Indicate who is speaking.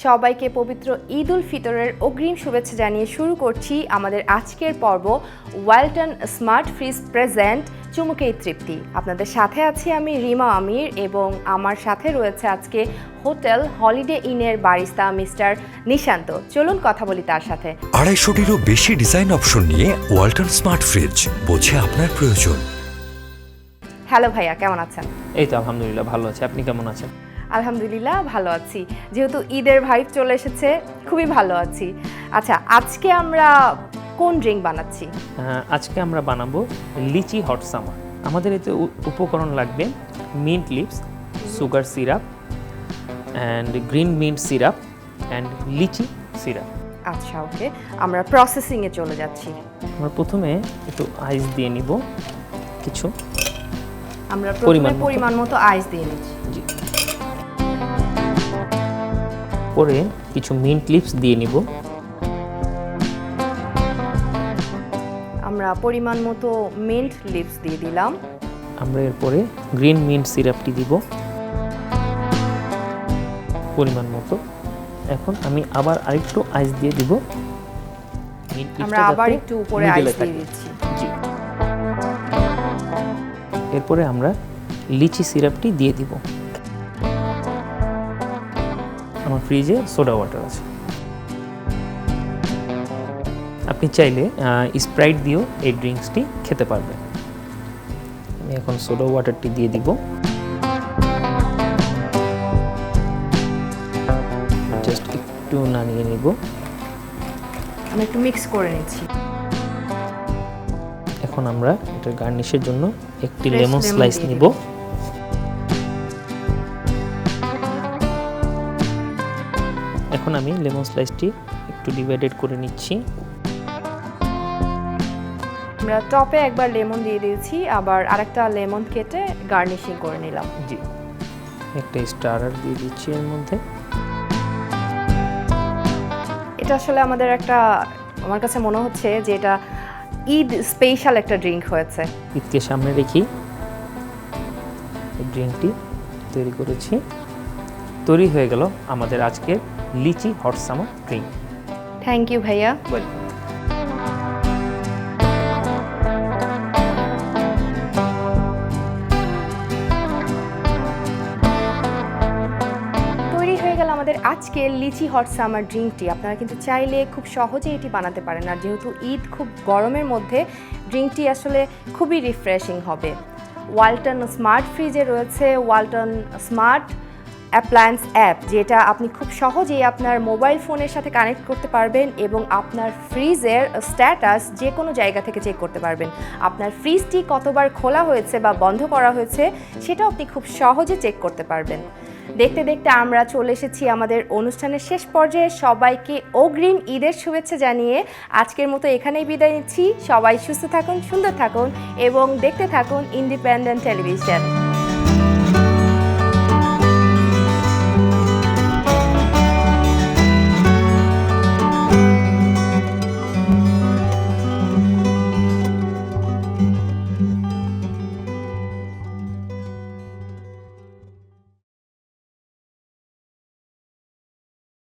Speaker 1: সবাইকে পবিত্র ঈদ উল ফিতরের অগ্রিম শুভেচ্ছা জানিয়ে শুরু করছি আমাদের আজকের পর্ব ওয়ালটন স্মার্ট ফ্রিজ প্রেজেন্ট চুমুকেই তৃপ্তি। আপনাদের সাথে আছি আমি রিমা আমির এবং আমার সাথে রয়েছে আজকে হোটেল হলিডে ইনের বারিস্তা মিস্টার নিশান্ত। চলুন কথা বলি তার সাথে।
Speaker 2: 250-টিরও বেশি ডিজাইন অপশন নিয়ে ওয়ালটন স্মার্ট ফ্রিজ, বোঝে আপনার প্রয়োজন।
Speaker 1: হ্যালো ভাইয়া, কেমন আছেন?
Speaker 3: এই তো আলহামদুলিল্লাহ ভালো আছি, আপনি কেমন আছেন?
Speaker 1: আলহামদুলিল্লাহ ভালো আছি, যেহেতু ঈদের ভাইব চলে এসেছে খুবই ভালো আছি। আচ্ছা, আজকে আমরা কোন ড্রিঙ্ক বানাচ্ছি?
Speaker 3: আজকে আমরা বানাবো লিচি হট সামার। আমাদের এতে উপকরণ লাগবে mint leaves, sugar syrup and green mint syrup and litchi syrup.
Speaker 1: আচ্ছা ওকে, আমরা প্রসেসিংয়ে চলে যাচ্ছি।
Speaker 3: আমরা প্রথমে একটু আইস দিয়ে নিব, কিছু
Speaker 1: আমরা প্রথমে পরিমাণ মতো আইস দিয়ে নিচ্ছি।
Speaker 3: জি, পরে কিছু মিন্ট লিভস দিয়ে নিব।
Speaker 1: আমরা পরিমাণ মতো মিন্ট লিভস দিয়ে দিলাম।
Speaker 3: আমরা এরপরে গ্রিন মিন্ট সিরাপটি দিব পরিমাণ মতো। এখন আমি আবার আরেকটু আইস দিয়ে দিব।
Speaker 1: আমরা আবার একটু উপরে আইস দিয়ে দিচ্ছি।
Speaker 3: জি, এরপরে আমরা লিচি সিরাপটি দিয়ে দিব। আমার ফ্রিজে সোডা ওয়াটার আছে, আপনি চাইলে স্প্রাইট দিয়েও এই ড্রিঙ্কসটি খেতে পারবেন। আমি এখন সোডা ওয়াটারটি দিয়ে দিব। জাস্ট একটু নাড়িয়ে নিব।
Speaker 1: আমি একটু মিক্স করে নিচ্ছি।
Speaker 3: এখন আমরা এটার গার্নিশের জন্য একটি লেমন স্লাইস নিব। এখন আমি লেমন স্লাইসটি একটু ডিভাইডেড করে নিচ্ছি।
Speaker 1: আমরা টপে একবার লেমন দিয়ে দিয়েছি, আবার আরেকটা লেমন কেটে গার্নিশিং করে নিলাম।
Speaker 3: জি, একটা স্টারার দিয়ে দিচ্ছি এর মধ্যে।
Speaker 1: এটা আসলে আমাদের একটা, আমার কাছে মনে হচ্ছে যে এটা ঈদ স্পেশাল একটা ড্রিঙ্ক হয়েছে।
Speaker 3: ঈদকে সামনে রেখে এই ড্রিঙ্কটি তৈরি করেছি। তৈরি হয়ে গেল আমাদের আজকের litchi hot summer drink.
Speaker 1: Thank you ভাইয়া। আমাদের আজকের লিচি হট সামার ড্রিঙ্কটি আপনারা কিন্তু চাইলে খুব সহজে এটি বানাতে পারেন। আর যেহেতু ঈদ খুব গরমের মধ্যে ড্রিঙ্কটি আসলে খুবই রিফ্রেশিং হবে। ওয়ালটন স্মার্ট ফ্রিজে রয়েছে ওয়ালটন স্মার্ট অ্যাপ্লায়েন্স অ্যাপ, যেটা আপনি খুব সহজেই আপনার মোবাইল ফোনের সাথে কানেক্ট করতে পারবেন এবং আপনার ফ্রিজের স্ট্যাটাস যে কোনো জায়গা থেকে চেক করতে পারবেন। আপনার ফ্রিজটি কতবার খোলা হয়েছে বা বন্ধ করা হয়েছে সেটাও আপনি খুব সহজে চেক করতে পারবেন। দেখতে দেখতে আমরা চলে এসেছি আমাদের অনুষ্ঠানের শেষ পর্যায়ে। সবাইকে অগ্রিম ঈদের শুভেচ্ছা জানিয়ে আজকের মতো এখানেই বিদায় নিচ্ছি। সবাই সুস্থ থাকুন, সুন্দর থাকুন এবং দেখতে থাকুন ইন্ডিপেন্ডেন্ট টেলিভিশন।